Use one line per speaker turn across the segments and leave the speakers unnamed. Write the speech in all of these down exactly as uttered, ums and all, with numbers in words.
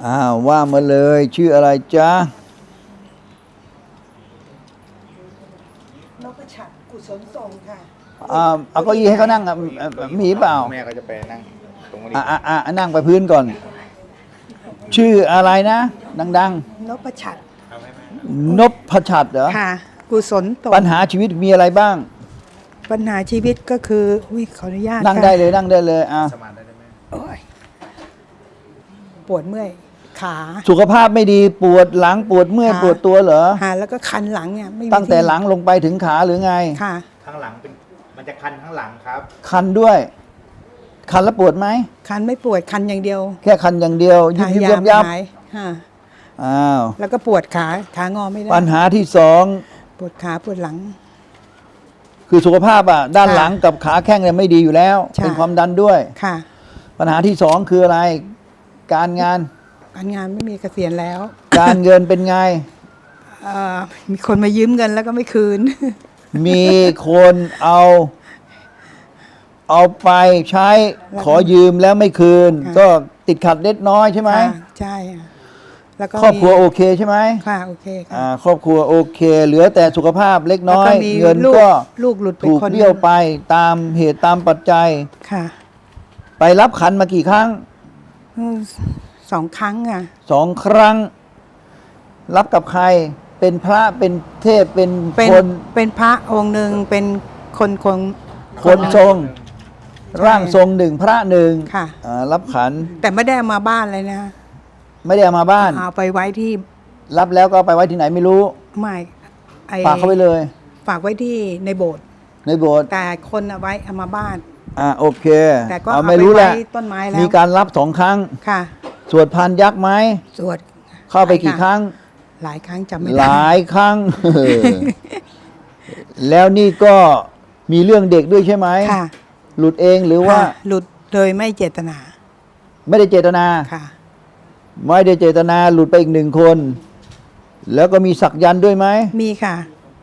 อ้าวว่ามาเลยชื่ออะไรจ๊ะ
นพฉัตรกุศลทรงค่ะ
อ่าเอาเก้าอี้ให้เขานั่งอ่ะมีเปล่า
แม่ก็จะไปนั่งตรงนี้
อ่าอ่าอ่านั่งไปพื้นก่อน ชื่ออะไรนะดัง
นพฉัตร
ๆนพฉัตรเหรอ
ค่ะ กุศลทรง
ปัญหาชีวิตมีอะไรบ้าง
ปัญหาชีวิตก็คืออุ้ยขออนุญาต
นั่ง
ค่ะ
ได้เลยนั่งได้เลยอ่ะ
สมานได้ไหม
โอ้ยปวดเมื่อยขา
สุขภาพไม่ดีปวดหลังปวดเมื่อย
ค่ะ
ปวดตัวเหรอ
หาแล้วก็คันหลังเนี่ยไม่มี
ตั้งแต่
ที่
หลังลงไปถึงขาหรือไง
ค่ะ
ข้างหลังเป็นมันจะคันข้างหลังครับ
คันด้วย คันแล้วปวดไหม
คันไม่ปวดคันอย่างเดียว
แค่คันอย่างเดียวยิบ
ทา
ยิบ
ยา
ยับ
ไม่
ยับ
หายค่ะ
อ้าว
แล้วก็ปวดขาขางอไม่ได้
ปัญหาที่สอง
ปวดขาปวดหลัง
คือสุขภาพอ่ะด้าน
ค่ะ
หลังกับขาแข้งเนี่ยไม่ดีอยู่แล้ว
ใช่
เป็นความดันด้วย
ค่ะ
ปัญหาที่สองคืออะไร การงาน
การงานไม่มีเกษียณแล้ว
การเงินเป็นไง
เอ่อมีคนมายืมเงินแล้วก็ไม่คืน
มีคนเอา เอาไปใช้
แล้วก็
ขอยืมแล้วไม่คืน
ค่ะ
ก็ติดขัดเล็กน้อยใช่ไหม
ค่ะใช่ค่ะแล้วก็
ครอบครัว
มี
โอเคใช่ไหม
ค่ะโอเคค่ะ
อ่าครอบครัวโอเค เหลือแต่สุขภาพเล็กน้อย
แล้วก็มี
เงิน
ลูก
ก็
ลูกหลุดไป
ถูก
คนหนึ่ง
เบี้ยวไปตามเหตุตามปัจจัย
ค่ะ
ไปรับขันมากี่ครั้ง
อืมสองครั้งอ่ะ
สองครั้ง รับกับใคร เป็นพระเป็นเทพเป็น
เป็น
คน
เป็นพระองค์หนึ่งเป็นคนคง
คนทรง
ใช่
ร่างทรงหนึ่งพระหนึ่ง
ค่ะ
อ่ารับขัน
แต่ไม่ได้เอามาบ้านเลยนะ
ไม่ได้เอามาบ้าน
เอาไปไว้ที่
รับแล้วก็เอาไปไว้ที่ไหนไม่รู้
ไม่ไอ
ฝากเขาไปเลย
ฝากไว้ที่ในโบสถ์
ในโบสถ์
แต่คนเอาไว้เอามาบ้าน
อ่าโอเค
แต่ก็
เอา
เอา
ไม่
ไป
รู้แห
ไว้
ละ
ต้นไม้แล้ว
มีการรับสองครั้ง
ค่ะ
สวดพานยักษ์ไหม
สวด
เข้าไปกี่ครั้ง
หลายครั้งจำไม่
ห
ได้
ลายครั้ง แล้วนี่ก็มีเรื่องเด็กด้วยใช่ไหม
ค่ะ
หลุดเองหรือว่า
ค่ะหลุดโดยไม่เจตนา
ไม่ได้เจตนา
ค่ะ
ไม่ได้เจตนาหลุดไปอีกหนึ่งคน แล้วก็มีสักยันต์ด้วยไหม
มีค่ะ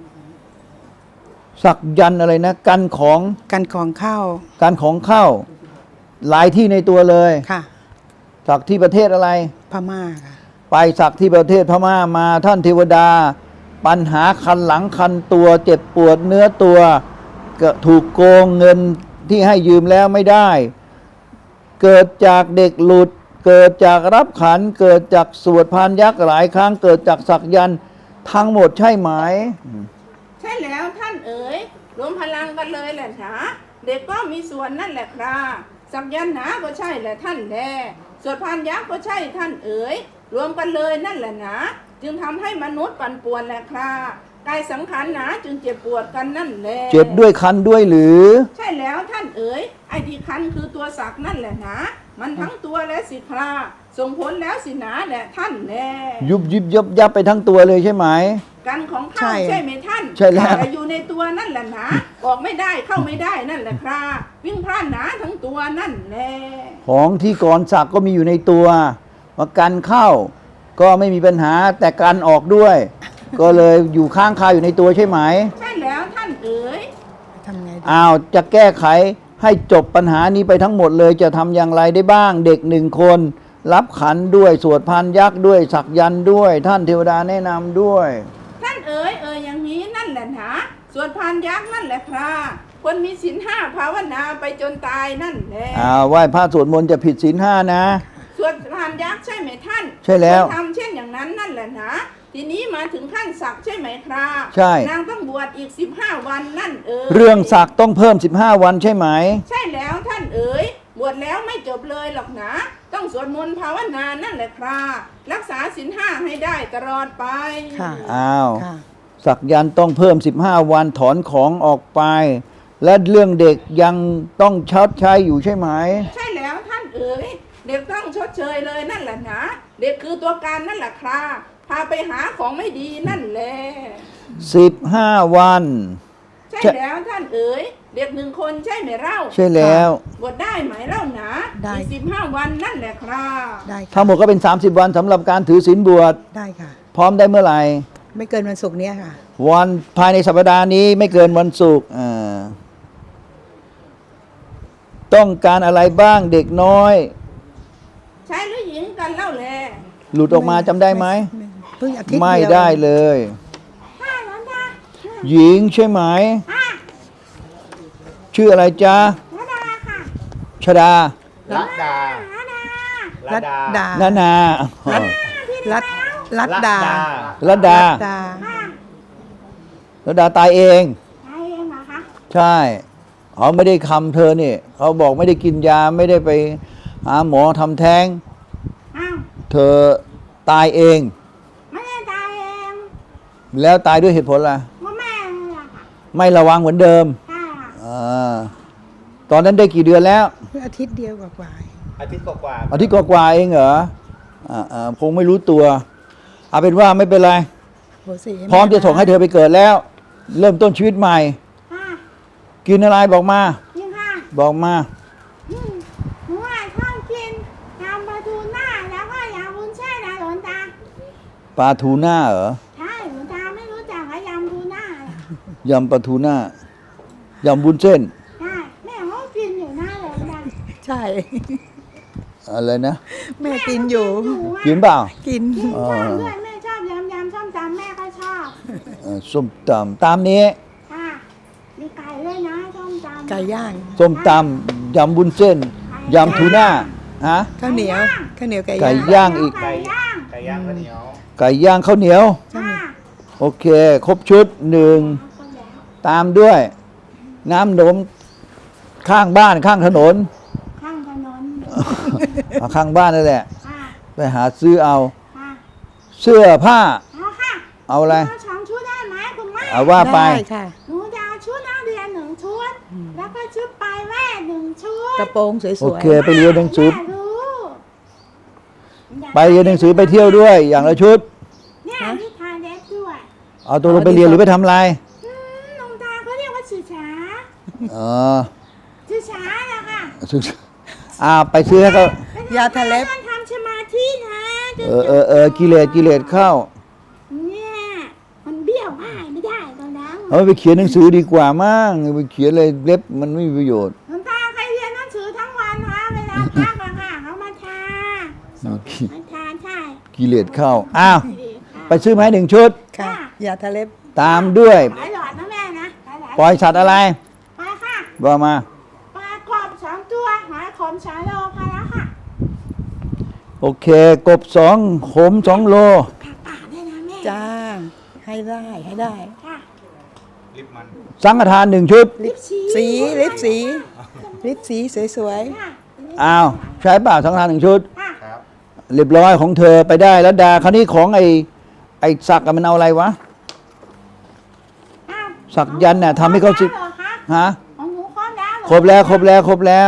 สักยันต์อะไรนะ กันของ
กันของเข้า
การของเข้า หลายที่ในตัวเลย
ค่ะ
สักที่ประเทศอะไร
พม่าค่ะ
ไปสักที่ประเทศพม่ามาท่านเทวดา ปัญหาคันหลังคันตัว เจ็บปวดเนื้อตัวก็ถูกโกงเงินที่ให้ยืมแล้วไม่ได้ เกิดจากเด็กหลุด เกิดจากรับขัน เกิดจากสวดพานยักษ์หลายครั้ง เกิดจากสักยันต์ทั้งหมดใช่ไหม
ใช่แล้วท่านเอ๋ยรวมพลังกันเลยแหละนะเด็กก็มีส่วนนั่นแหละครับสักยันต์หนาก็ใช่แหละท่านแลสวดพานยักษ์ก็ใช่ท่านเอ๋ยรวมกันเลยนั่นแหละนะจึงทำให้มนุษย์ปั่นป่วนแหละครับกายสังขารหนาจึงเจ็บปวดกันนั่นแหละ
เจ็บด้วยคันด้วยหรือ
ใช่แล้วท่านเอ๋ยไอ้ที่คันคือตัวสักนั่นแหละนะมันทั้งตัวและสิคราส่งผลแล้วสิหนาแหละท่านแล
ยุบยิบยับยับไปทั้งตัวเลยใช่ไหม
กันของ
ใช่
ข้าใช่ไหมท่าน
ใช่แล้ว
แต่อยู่ในตัวนั่นแหละนะออกไม่ได้เข้าไม่ได้นั่นแหละครับวิ่งพลาดหนาทั้งตัวนั่นแหละ
ของที่ก่อนสักก็มีอยู่ในตัวมากันเข้า ก็ไม่มีปัญหาแต่กันออกด้วย ก็เลยอยู่ข้างคาอยู่ในตัวใช่ไหม
ใช่แล้วท่านเอ๋ย
ทำไงดี
อ้าวจะแก้ไขให้จบปัญหานี้ไปทั้งหมดเลยจะทำอย่างไรได้บ้าง เด็กหนึ่งคน รับขันด้วยสวดพานยักษ์ด้วยสักยันต์ด้วย ท่านเทวดาแนะนำด้วย
ท่านเอ๋ยเอ๋ยอย่างนี้นั่นแหละนะส่วนพานยักษ์นั่นแหละครับคนมีศีลห้าภาวนาไปจนตายนั่นแหละ
อ้าวไหว้พระสวดมนต์จะผิดศีลห้านะ
ส่วนพานยักษ์ใช่ไหมท่าน
ใช่แล้ว
คนทำเช่นอย่างนั้นนั่นแหละนะทีนี้มาถึงขั้นสักใช่ไหมครับ
ใช่
นางต้องบวชอีกสิบห้าวันนั่นเอ๋ย
เรื่องสักต้องเพิ่มสิบห้าวันใช่ไหม
ใช่แล้วท่านเอ๋ยบวชแล้วไม่จบเลยหรอกนะ ต้องสวดมนต์ภาวนานั่นแหละครับรักษาศีลห้าให้ได้ตลอดไป
ค่ะ
อ้าว
ค่ะ
สักยันต์ต้องเพิ่มสิบห้าวันถอนของออกไป และเรื่องเด็กยังต้องชดใช้อยู่ใช่ไหม
ใช่แล้วท่านเอ๋ยเด็กต้องชดเชยเลยนั่นแหละนะเด็กคือตัวการนั่นแหละครับพาไปหาของไม่ดีนั่นแหละ
สิบห้าวัน
ใช่
ใช่
แล้วท่านเอ๋ยเด็กหนึ่งคนใช่ไหมเล่า
ใช่แล้ว
บวชได้ไหมเล่านะ
ได้
อีกสิบห้าวันนั่นแหละครับ
ได้ค่ะ
ทั้งหมดก็เป็น สามสิบ วันสำหรับการถือศีลบวช
ได้ค่ะ
พร้อมได้เมื่อไหร่
ไม่เกินวันศุกร์เนี้ยค่ะ
วันภายในสัปดาห์นี้ไม่เกินวันศุกร์อ่าต้องการอะไรบ้างเด็กน้อย
ชายหรือหญิงกันเล่าแล
หลุดออกมาจำได้ไหม
เพิ่งอาทิตย์
ไม่
เดียว
ได้เลย
ค่ะหลวงตา
หญิงใช่ไหม
ค่ะ
ชื่ออะไรจ๊ะ
หลวงตาค่ะ
ชดา
รัดดา
หลวงตา
รัดดา
ดา
นานา
รัดรัดดา
รัดดา
ดา
ค่ะ
รัดดาตายเอง
ใช่เองเหรอคะ
ใช่เขาไม่ได้คำเธอนี่เขาบอกไม่ได้กินยาไม่ได้ไปหาหมอทำแท้ง
อ้าว
เธอตายเอง
ไม่ได้ตายเอง
แล้วตายด้วยเหตุผลอะไร
ว่าแม่นี่แหละค่ะ
ไม่ระวังเหมือนเดิม
ใช่ค่ะ
อาตอนนั้นได้กี่เดือนแล้ว
เพิ่งอาทิตย์เดียวกว่า
อาทิตย์กว่าๆ
อาทิตย์กว่าๆเองเหรออ่าอ่าคงไม่รู้ตัวเอาเป็นว่าไม่เป็นไร
ๆโหสิ
พร้อมจะส่งให้เธอไปเกิดแล้ว เริ่มต้นชีวิตใหม่
ค่ะ
กินอะไรบอกมา
จริงค่ะ
บอกมา
อืมหนูอ่ะชอบกินยำปลาทูน่าแล้วก็ยำวุ้นเส้นนะหลวงตา
ปลาทูน่าเหรอ
ใช่หลวงตาไม่รู้จักว่ายำทูน่าน่ะ
ยำปลาทูน่ายำบุญเส้น
ใช่แม่เขากินอยู่หน้าหลวงตา
ใช่
อะไรนะ
แม่กินอยู่
หนูอ่ะ
กินเปล่า
กิน
ชอบด้วยแม่ชอบยำยำส้มตำแม่ก็ชอบ
เอ่อส้มตำตามนี้
ค่ะมีไก่ด้วยนะส้มตำ
ไก่ย่าง
ส้มตำยำบุญเส้นยำทูน่าฮะ
ข้าวเหนียวข้าวเหนียวไก่
ไก่
ย่าง
ย่างอีก
ไก่ย่าง
ไก่ย่างข้าวเหนียว
ไก่ย่างข้าวเหนียว
ค่ะ
โอเค ครบชุดหนึ่งตามด้วย น้ำนมข้างบ้านข้างถนน
ข้างถนน
เอาข้างบ้านนั่นแหละ
ค่ะ
ไปหาซื้อเอา
ค่ะ
เสื้อผ้า
เอาค่ะ
เอาอะไร
หนูสองชุดได้ไหมคุณแม่
เอาว่าไป
ได้ค่ะ
หนูจะเอาชุดนักเรียนหนึ่งชุด แล้วก็ชุดปลายแว่นหนึ่งชุด
กระโปรงส
โอ
วย
เค ไปเรียนหนังสือ
แม่รู้
ไปเรียนหนังสือไปเที่ยวด้วย อย่างละชุด
เนี่ยนิทานเด็กด้วย
เอาตัวลงไปเรียนหรือไปทำอะไร
อืมหลวงตาเขาเรียกว่าสื่อช้า
อ๋อ
สื่อช้านะคะ
อ่าไปซื้อให้เขา
ๆยาทะเล็บ
ต้องทำสมาธินะจะ
เออเออเออกิเลสกิเลสเข้า
เนี่ยมันเบี้ยวง่ายไม่ได้ตอนนั้น
เอาไปเขียนหนังสือดีกว่ามั้งไปเขียนอะไรเล็บมันไม่มีประโยชน์
หลวงตาใครเรียนหนังสือทั้งวันคะเวลาพักอะค่ะเขามาทามาทาใช่
กิเลสเข้าอ้าว
ดีค่ะ
ไปซื้อมาให้หนึ่งชุด
ค่ะยาทะเล็บ
ตามด้วย
หลายหลอดนะแม่นะหลายๆ
ปล่อยสัตว์อะไร
ไปค่ะ
บอกมา
ปลากรอบสองตัวหอยขมสองโลพอแล้วค่ะ
โอเค กบสองขมสองโล
ผักป่าด้วยนะแม่
จ้า ให้ได้ให้ได้
ค่ะ
ลิปมัน
สังฆทานหนึ่งชุด
ลิปสีลิปสีลิปสีสวย
ค่ะ
อ้าวใช้เปล่าสังฆทานหนึ่งชุด
ค่ะ
ครับ
เรียบร้อยของเธอไปได้แล้วดาคราวนี้ของไอ้ไอ้สักอะมันเอาอะไรวะ
อ้าว
สักยันต์น่ะทำให้เขาสิ
ครบแล้วเหรอคะ
ฮะ
ของหนูครบแล้วเหอ
ครบแล้วครบแล้วครบแล้ว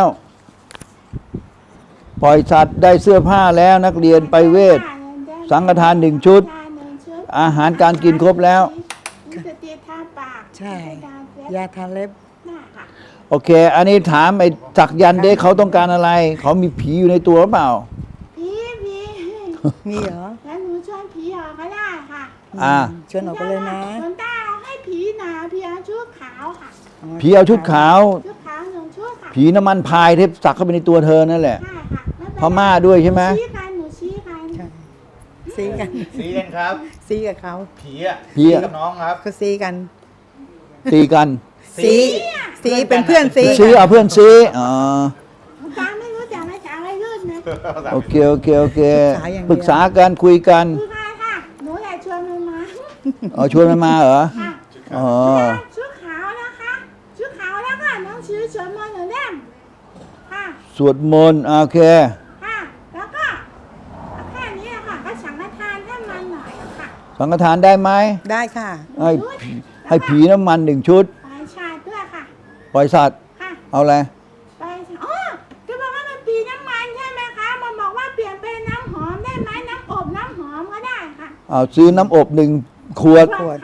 ปล่อยสัตว์ได้เสื้อผ้าแล้วนักเรียนไปเวท สังฆทานหนึ่งชุด อาหารการกินครบแล้ว
มีสติทาปาก
ๆ ใช่
มีการเซ็ต
ยาทะเล็บ
หน้าค่ะ
โอเค อันนี้ถามไอ้สักยันต์เด็กเขาต้องการอะไร เขามีผีอยู่ในตัวหรือเปล่า
ผีผี
มีเหรอ
แล้วหนูชวนผีออกก็ได้ค่ะ
อ่า
ชวนออกไปเลยนะ
หลวงตาเอาให้ผีหนาผีเอาชุดขาวค่ะ
ผีเอาชุดขาว
ชุดขาวหนึ่งชุดค่ะ
ผีน้ำมันพายที่สักเข้าไปในตัวเธอนั่นแหละ
ใช่ค่ะไเป็นไร
พม่าด้วยใช่ไหม
นูชี้กันหนูชี้กัน
ใช่ซีกัน
สีกันครับ
ซีกับเขา
ผีอ่ะ
ผีอะ
กับน้องครับ
ก็ซีกัน
ตีกัน
ซีซีเป็นเพื่อนซี
ซื้อเอาเพื่อนซื้ออ๋อ
หลวงตาไม่รู้จักภาษาวัยรุ่นนะ
โอเคโอเคโอเคปรึกษากันคุยกัน
คือใครค่ะหนูอยากชวนมันมา
เอาชวนมันมาเหรอ
ค่ะ
อ๋อ
ชุดขาวนะคะชุดขาวแล้วค่ะน้องชื่อสวนมนต์หนูเล่มค่ะ
สวดมนต์โอเค
ค่ะแล้วก็แค่นี้อะค่ะก็สังฆทานให้มันหน่อยอะค่ะ
สังฆทานได้ไหม
ได้ค่ะ
ให้ผีให้ผีน้ำมันหนึ่งชุด
ไปชาด้วยค่ะ
ปล่อยสัตว์
ค่ะ
เอาอะไร
ไปอ๋อจะบอกว่ามันปีน้ำมันใช่ไหมคะมันบอกว่าเปลี่ยนเป็นน้ำหอมได้ไหมน้ำอบน้ำหอมก็ได้ค่ะ
เอาซื้อน้ำอบหนึ่งขวด
ขวด
ค่ะ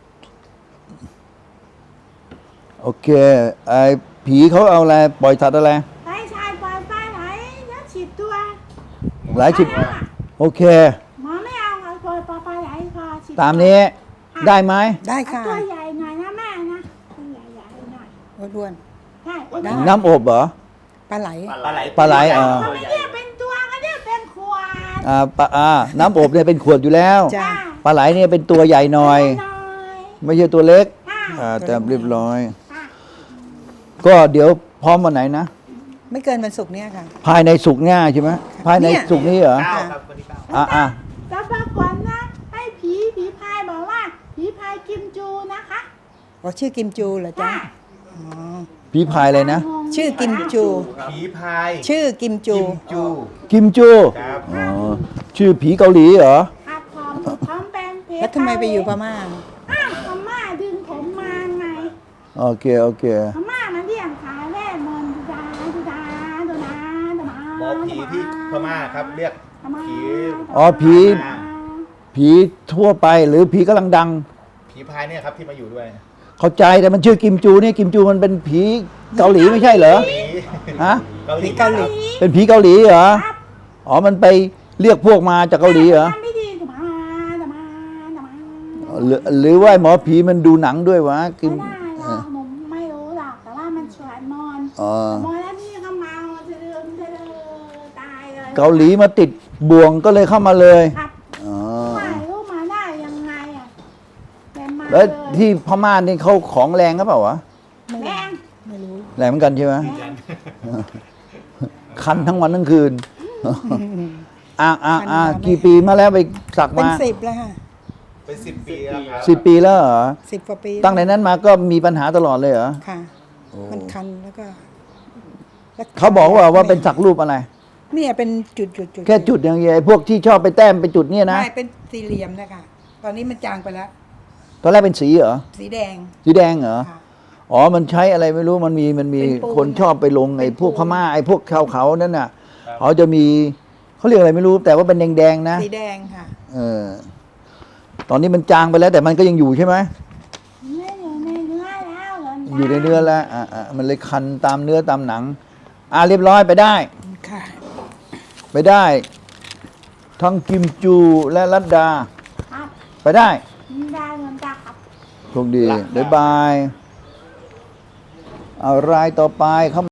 โอเค ไอ้ผีเขาเอาอะไร ปล่อยสัตว์อะไร
ไปชายปล่อยปลาไหลแล้วฉีดตัว
หลายสิบ
ไปแล้วอะ
โอเค
หมอไม่เอาค่ะปล่อยปลาปลาไหลพอฉีด
ตามนี้ ได้ไหม
ได้
เอา
ค่ะ
ตัวใหญ่หน่อยนะแม่นะตัวใหญ่ๆหน่อย
อ้วน
ใช่
ได้
น้ำอบเหรอ
ๆปลาไหล
ปลาไหล
ปลาไหลอ่า
เขาไม่เรียกเป็นตัวเขาเรียกเป็นขวด
อ่าปลาอ่าน้ำอบเนี่ยเป็นขวดอยู่แล้ว
จ้า
ปลาไหลเนี่ยเป็นตัวใหญ่หน่อย
น้อย
ไม่ใช่ตัวเล็ก
ค่ะ
อ่าแต่เรียบร้อย
ค่ะ
ก็เดี๋ยวพร้อมวันไหนนะ
ไม่เกินวันศุกร์เนี่ยค่ะ
ภายในสุกร์หน้าใช่ไหมภายใน
เนี่ย
สุกร์นี้เหรอ
เก้าครับวันที่เก้า
อ่าอ่า
แต่ปรากฏนะให้ผีผีพายบอกว่าผีพายกิมจูนะคะ
อ๋อชื่อกิมจูเหรอจ๊ะ
ค่ะ
อ๋อ
พี่พายเลยนะ
งง
ชื่อกิมจู
ผีพาย
ชื่อกิมจู
กิมจู
กิมจู
ครับ
อ๋อชื่อผีเกาหลีเหรอ
ครับผมผมเป็นเพ
แล้วทำไมไปอยู่พม่า
อ้าวพม่าดึงผมมาไง
โอเคโอเค
พม่ามันเรียกขายเวทมนต์ดูดาดูดาดูดาดูดา
หมอผีที่พม่าครับเรียก
พม่า
ผี
อ๋อผี ผีทั่วไปหรือผีกำลังดัง
ผีพายเนี่ยครับที่มาอยู่ด้วย
เข้าใจแต่มันชื่อกิมจูเนี่ยกิมจูมันเป็นผีเกาหลีไม่ใช่เหรอ
เกาหลี
ฮะ
เกาหลี
เกาหลี
เป็นผีเกาหลีเหรอ
ครับ
อ๋อมันไปเรียกพวกมาจากเกาหลีเหรอ
ทำไม่ดีดูมาดูมาดูมา
หรือหรือว่าหมอผีมันดูหนังด้วยวะกิม
ไม่ได้หรอกผมไม่รู้หรอกแต่ว่ามันชวนมอน
อ๋อ
มอนแล้วพี่ก็เมาจะเดินจะเดินตายเลย
เกาหลีมาติดบ่วงก็เลยเข้ามาเลย
ครับ
อ๋อ
ถ่ายรูปมาได้ยังไงอ่ะแต่มา
แล้ว
เลย
ที่พม่านี่เขาของแรงก็เปล่าวะ
แรง
ไม่รู้
แรงเหมือนกันใช่ไหม
แรง
คันทั้งวันทั้งคืนอ่าอ่าอ่า
คันมาไม่
กี่ปีมาแล้วไปสัก
เป็น
มา
สิบแล้วค่ะ
เป็นสิบปีแล้วครับ
สิบปีแล้วเหรอ
สิบกว่าปี
ตั้งแต่นั้นมาก็มีปัญหาตลอดเลยเหรอ
ค่ะ มันคันแล้วก็แล้ว
เขาบอกว่าว่าเป็นสักรูปอะไร
เนี่ยเป็นจุดจุดจุด
แค่จุดอย่างเดียวไอ้พวกที่ชอบไปแต้มไปจุดเนี่ยนะ
ไม่เป็นสี่เหลี่ยมนะคะตอนนี้มันจางไปแล้ว
ตอนแรกเป็นสีเหรอ
สีแดง
สีแดงเหรอ
ค่ะ
อ๋อ มันใช้อะไรไม่รู้ มันมี มันมี
เป็นปูน
คนชอบไปลงไอ้
เป็น
พวก
ปู
พ
น
ม่าไอ้พวกชาวเขานั่นน่ะ เขาจะมี เขาเรียกอะไรไม่รู้ แต่ว่าเป็นแดงๆนะ
สีแดงค่ะ
เออ ตอนนี้มันจางไปแล้ว แต่มันก็ยังอยู่ใช่ไหม
ไม่อยู่ในเนื้อแล้วเหรอ
อยู่ในเนื้อแล้ว อ่าอ่ามันเลยคันตามเนื้อตามหนัง อ่าเรียบร้อยไปได้
ค่ะ
ไปได้ ทั้งกิมจูและรัตดา
ครับ
ไปได้
ได้เงินจ้าครับ
โชคดีบ๊ายบาย เอารายต่อไปเข้า